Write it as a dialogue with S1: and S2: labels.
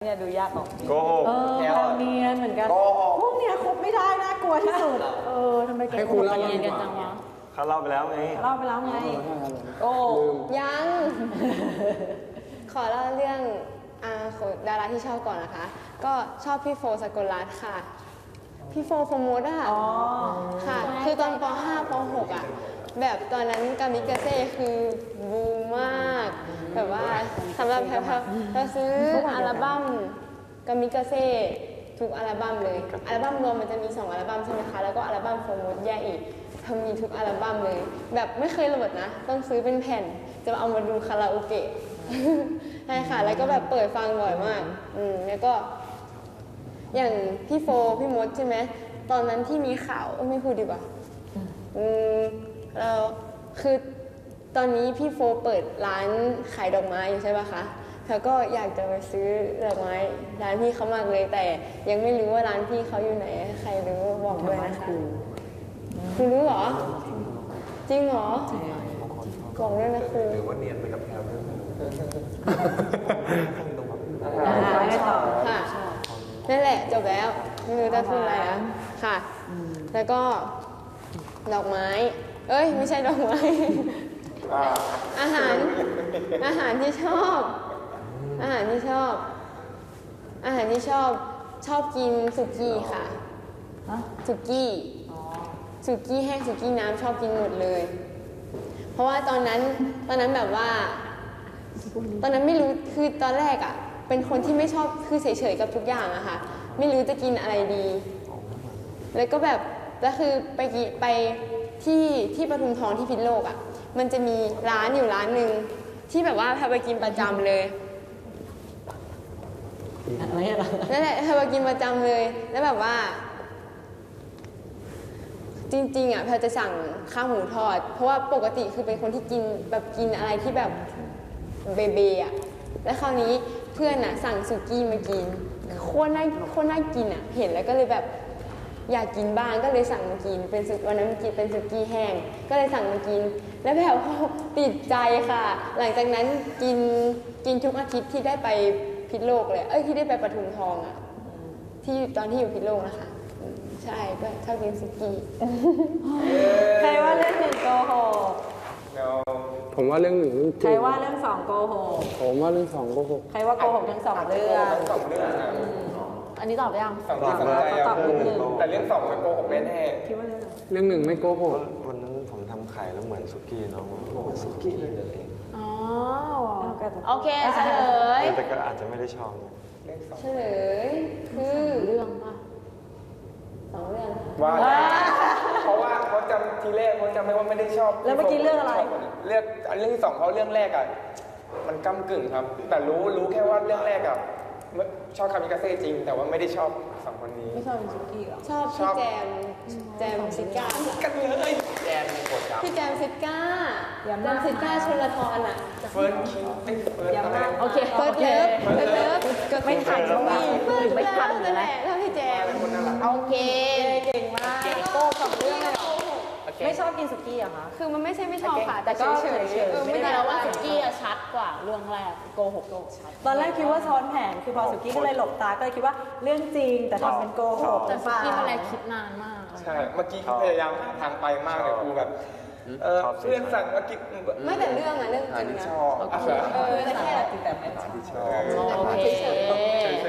S1: เนี่ยดูยากออก
S2: โกหก
S1: เนียนเหมือนกันพวกเนี้ยคบไม่ได้น่ากลัวที่สุดทำไมแกคบเนียนกันจังวะ
S2: เขาเล่าไปแล้วไง
S1: โอ้
S3: ยังขอเล่าเรื่องของดาราที่ชอบก่อนนะคะ ก็ชอบพี่โฟสกลรัตน์ค่ะพี่โฟโฟมดอะค่ะคือตอนป .5 ป .6 อะแบบตอนนั้นกามิกาเซ่คือบูมมากแบบว่าสำหรับแพรเราซื้ออัลบั้มกามิกาเซ่ทุกอัลบั้มเลยอัลบั้มรวมมันจะมี2อัลบั้มใช่ไหมคะแล้วก็อัลบั้มโฟมดแยกอีกทำมีทุกอัลบั้มเลยแบบไม่เคยโหลดนะต้องซื้อเป็นแผ่นจะเอามาดูคาราโอเกะใช่ค่ะแล้วก็แบบเปิดฟังบ่อยมากแล้วก็อย่างพี่โฟพี่มดใช่ไหมตอนนั้นที่มีข่าวไม่พูดดีกว่าเราคือตอนนี้พี่โฟเปิดร้านขายดอกไม้อยู่ใช่ป่ะคะแล้วก็อยากจะไปซื้อดอกไม้ร้านพี่เขามากเลยแต่ยังไม่รู้ว่าร้านพี่เขาอยู่ไหนใครรู้บอกด้วยนะคะคุณรู้เหรอจริงเหรอบอกด้วยนะครู
S4: หรือว่าเนียนไปกับแพลว
S1: ไม่ต่อ
S3: ค่ะนั่นแหละจบแล้วไม่รู้จะพูดอะไรแล้วค่ะแล้วก็ดอกไม้ไม่ใช่ดอกไม้อาหารที่ชอบชอบกินสุกี้ค่ะสุกี้แห้งสุกี้น้ำชอบกินหมดเลยเพราะว่าตอนนั้นแบบว่าตอนนั้นไม่รู้คือตอนแรกอ่ะเป็นคนที่ไม่ชอบคือเฉยๆกับทุกอย่างอะค่ะไม่รู้จะกินอะไรดีแล้วก็แบบแล้วคือไปที่ปทุมทองที่พิษณุโลกอ่ะมันจะมีร้านอยู่ร้านหนึ่งที่แบบว่าพาไปกินประจำเลยนั่นแหละพาไปกินประจำเลยแล้วแบบว่าจริงๆอ่ะพาจะสั่งข้าวหมูทอดเพราะว่าปกติคือเป็นคนที่กินอะไรที่แบบเบอ่ะแล้วคราวนี้เพื่อนอ่ะสั่งสุกี้มากินโคตรน่ากินอ่ะเห็นแล้วก็เลยแบบอยากกินบ้างก็เลยสั่งมากินเป็นวันนั้นกินเป็นสุกี้แห้งก็เลยสั่งมากินแล้วแบบติดใจค่ะหลังจากนั้นกินทุกอาทิตย์ที่ได้ไปพิษณุโลกเลยที่ได้ไปปทุมทองอ่ะที่ตอนที่อยู่พิษณุโลกนะคะใช่ก็ชอบกินสุกี้
S1: ใครว่าเรื่อง1โกหก
S5: ผมว่าเรื่อง1
S1: ใครว่าเรื่อง2โกหก
S5: ผมว่าเรื่อง2โกหก
S1: ใครว่าโกหกทั้ง2เรื่องอันนี้ตอบยังตอบนิดนึง
S4: แต่เรื่อง2มันโกหกแน่ๆ
S1: คิดว่า
S5: เรื่อง1ไม่โกหก
S2: วันนั้นผมทำไข่แล้วเหมือนสุกี้น้องสุกี้เลย
S1: โอเคเฉลย
S2: แต่ก็อาจจะไม่ได้ชอบ
S3: เฉลยคือ
S1: เรื่องป่ะ
S3: 2เรื่อง
S4: ว่าเพราะว่าเขาจำทีแรกเขาจำไม่ว่าไม่ได้ชอบ
S1: แล้วเมื่อกี้เรื่องอะไร
S4: เรื่องที่2เขาเรื่องแรกอ่ะมันก้ำกึ่งครับแต่รู้แค่ว่าเรื่องแรกอ่ะชอบคามิกาเซ่จริงแต่ว่าไม่ได้ชอบ2คนนี้
S1: ไม่ชอบสุกี้หรอ
S3: ชอบพี่แจมซิก้า
S4: กันเลยแจมกดครับ
S3: พี่แจมซิก้าชลทรอ่ะ
S4: เฟิร์สคิว
S1: โอเค
S3: เฟิร์สเลิฟ
S1: ไม่ทันแล้วไม่ทัน
S3: นั่นแหละแล้วพี่แจมโอเค
S1: เก่งมากโก้2เรื่องเลยไม่ชอบกินสุกี้เหรอคะ
S3: คือมันไม่ใช่ไม่ชอบค่ะแต่ก็เฉย
S1: ไม่ได้แล้วว่าสุกี้ชัดกว่าเรื่องแรกโกหกชัดตอนแรกคิดว่าซ้อนแผนคือพอสุกี้ก็เลยหลบตาก็เลยคิดว่าเรื่องจริงแต่ทำเป็นโกหก
S3: แต่สุกี้อะไรคิดนานมาก
S4: ใช่เมื่อกี้พยายามทางไปมากเลยครูแบบเพื่อนสั่งเมื่อกี้
S3: ไม่แต่เรื่องจริงนะ
S4: ชอบ
S3: แต่แค่
S4: ที่ชอบ
S1: โอเค